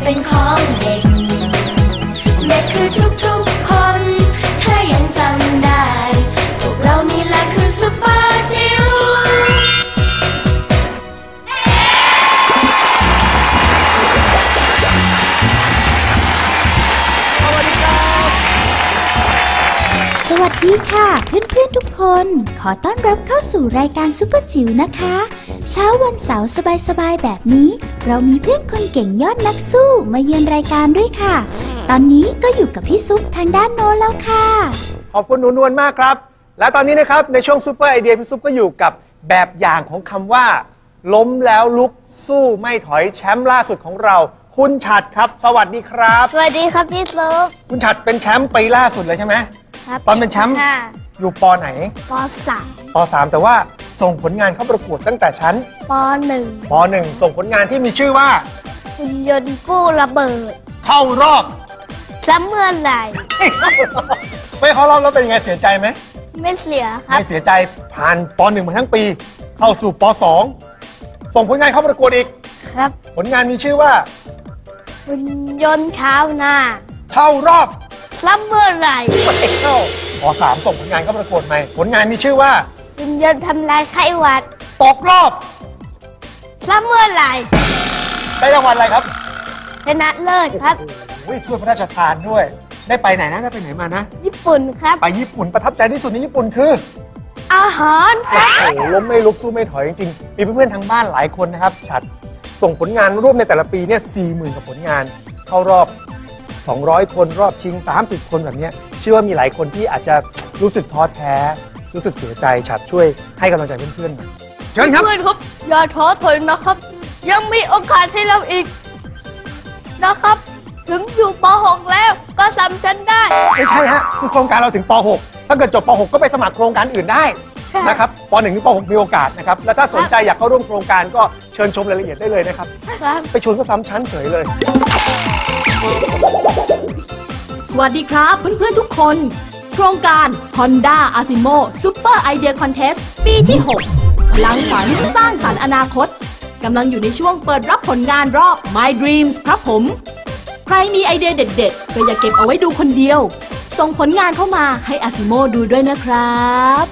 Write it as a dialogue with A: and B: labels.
A: เป็นของเด็กเด็กคือทุกๆคนถ้ายังจำได้พวกเรานี่แหละคือซุปเปอร์จิ๋ว
B: สวัสดีค่ะเพื่อนๆทุกคนขอต้อนรับเข้าสู่รายการซุปเปอร์จิ๋วนะคะเช้าวันเสาร์สบายๆแบบนี้เรามีเพื่อนคนเก่งยอดนักสู้มาเยือนรายการด้วยค่ะตอนนี้ก็อยู่กับพี่ซุปทางด้านโน้นแล้วค่ะ
C: ขอบคุณหนูนวลมากครับและตอนนี้นะครับในช่วงซุปเปอร์ไอเดียพี่ซุปก็อยู่กับแบบอย่างของคำว่าล้มแล้วลุกสู้ไม่ถอยแชมป์ล่าสุดของเราคุณฉัตรครับสวัสดีครับ
D: สวัสดีครับพี่ซุป
C: คุณฉัตรเป็นแชมป์ปีล่าสุดเลยใช่ไหมตอนเป็นแชมป์อยู่ป.ไหน
D: ป.3
C: ป.3 แต่ว่าส่งผลงานเข้าประกวดตั้งแต่ชั้น
D: ป.1
C: ป.1 ส่งผลงานที่มีชื่อว่า
D: หุ่นยนต์กู้ระเบิด
C: เข้ารอบ
D: ซ้ำเมื่อไหร่
C: ไม่เข้ารอบแล้วเป็นยังไงเสียใจไหม
D: ไม่เสียครับ
C: ไม่เสียใจผ่านป.1 มาทั้งปีเข้าสู่ป.2 ส่งผลงานเข้าประกวดอีก
D: ครับ
C: ผลงานมีชื่อว่า
D: หุ่นยนต์ชาวนา
C: เข้ารอบ
D: ซ้ำเมื่อไหร่
C: ไม่เข้าป.3 ส่งผลงานเข้าประกวดใหม่ผลงานมีชื่อว่า
D: หุ่นยนต์ทำลายไข้หวัด
C: ตกรอบ
D: ซ้ำเมื่อไหร่
C: ได้รางวัลอะไรครับ
D: ชนะเลิศครับ
C: ถ้วยพระราชทานด้วยได้ไปไหนนะได้ไปไหนมานะ
D: ญี่ปุ่นครับ
C: ไปญี่ปุ่นประทับใจที่สุดในญี่ปุ่นคือ
D: อาหารครับ
C: โอ้โหล้มไม่ลุกสู้ไม่ถอยจริงๆมีเพื่อนๆทางบ้านหลายคนนะครับฉัตรส่งผลงานร่วมในแต่ละปีเนี่ย 40,000 กว่าผลงานเข้ารอบ200 คนรอบชิง30 คนแบบนี้เชื่อว่ามีหลายคนที่อาจจะรู้สึกท้อแท้รู้สึกเสียใจฉัตรช่วยให้กำลังใจเพื่อนๆหน่อยเชิญครับ
D: เพื่อนครับอย่าท้อถอยนะครับยังมีโอกาสให้เราอีกนะครับถึงอยู่ป.6 แล้วก็ซ้ำชั้นได้
C: ไม่ใช่ฮะคือโครงการเราถึงป.6 ถ้าเกิดจบป.6 ก็ไปสมัครโครงการอื่นได้นะครับป.1 ถึงป.6 มีโอกาสนะครับและถ้าสนใจอยากเข้าร่วมโครงการก็เชิญชมรายละเอียดได้เลยนะครับไปชวนก็ซ้ำชั้นเฉยเลย
E: สวัสดีครับเพื่อนๆทุกคนโครงการ Honda Asimo Super Idea Contest ปีที่ 6 พลังฝันสร้างสรรค์อนาคตกำลังอยู่ในช่วงเปิดรับผลงานรอบ My Dreams ครับผมใครมีไอเดียเด็ดๆก็อย่าเก็บเอาไว้ดูคนเดียวส่งผลงานเข้ามาให้ Asimo ดูด้วยนะครับ